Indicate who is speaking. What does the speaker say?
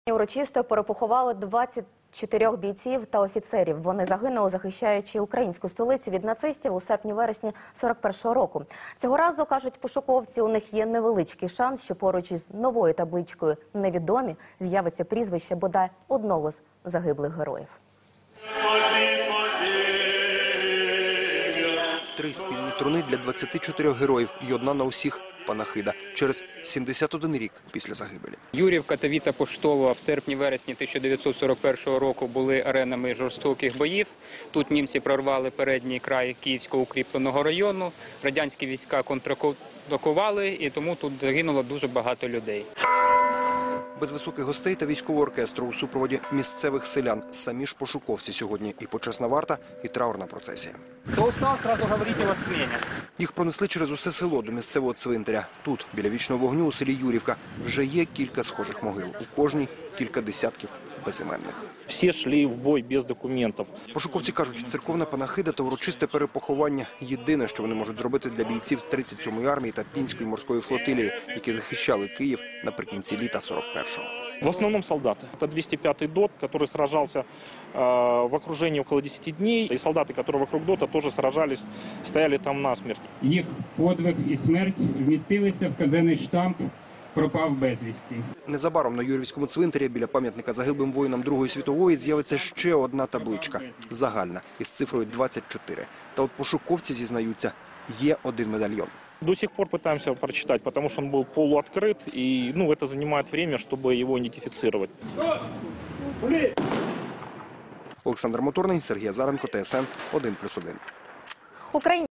Speaker 1: Урочисто перепоховали 24 бійців та офіцерів. Вони загинули, захищаючи українську столицю від нацистів у серпні-вересні 41-го року. Цього разу, кажуть пошуковці, у них є невеличкий шанс, що поруч із новою табличкою «Невідомі» з'явиться прізвище бодай одного з загиблих героїв.
Speaker 2: 3 спільні труни для 24 героїв і одна на усіх – панахида. Через 71 рік після загибелі.
Speaker 3: Юрівка та Віта Поштова в серпні-вересні 1941 року були аренами жорстоких боїв. Тут німці прорвали передній край Київського укріпленого району. Радянські війська контратакували, і тому тут загинуло дуже багато людей.
Speaker 2: Без високих гостей та військового оркестру у супроводі місцевих селян. Самі ж пошуковці сьогодні і почесна варта, і траурна процесія.
Speaker 3: Хто устав, одразу говоріть, вас змінять.
Speaker 2: Їх пронесли через усе село до місцевого цвинтаря. Тут, біля вічного вогню у селі Юрівка, вже є кілька схожих могил. У кожній кілька десятків безіменних.
Speaker 4: Всі йшли в бой без документів.
Speaker 2: Пошуковці кажуть, церковна панахида та урочисте перепоховання – єдине, що вони можуть зробити для бійців 37-ї армії та Пінської морської флотилії, які захищали Київ наприкінці літа 41-го.
Speaker 4: В основном солдаты. Это 205-й ДОТ, который сражался в окружении около 10 дней. И солдаты, которые вокруг ДОТа, тоже сражались, стояли там насмерть.
Speaker 5: Їх подвиг і смерть вмістилися в казенний штамп «Пропав безвісті».
Speaker 2: Незабаром на Юрівському цвинтарі біля пам'ятника загиблим воїнам Другої світової з'явиться ще одна табличка – загальна, із цифрою 24. Та от пошуковці зізнаються, є один медальйон.
Speaker 4: До сих пор пытаемся прочитать, потому что он был полуоткрыт, и это занимает время, чтобы его идентифицировать.
Speaker 2: Олександр Моторний, Сергій Азаренко, ТСН 1+1.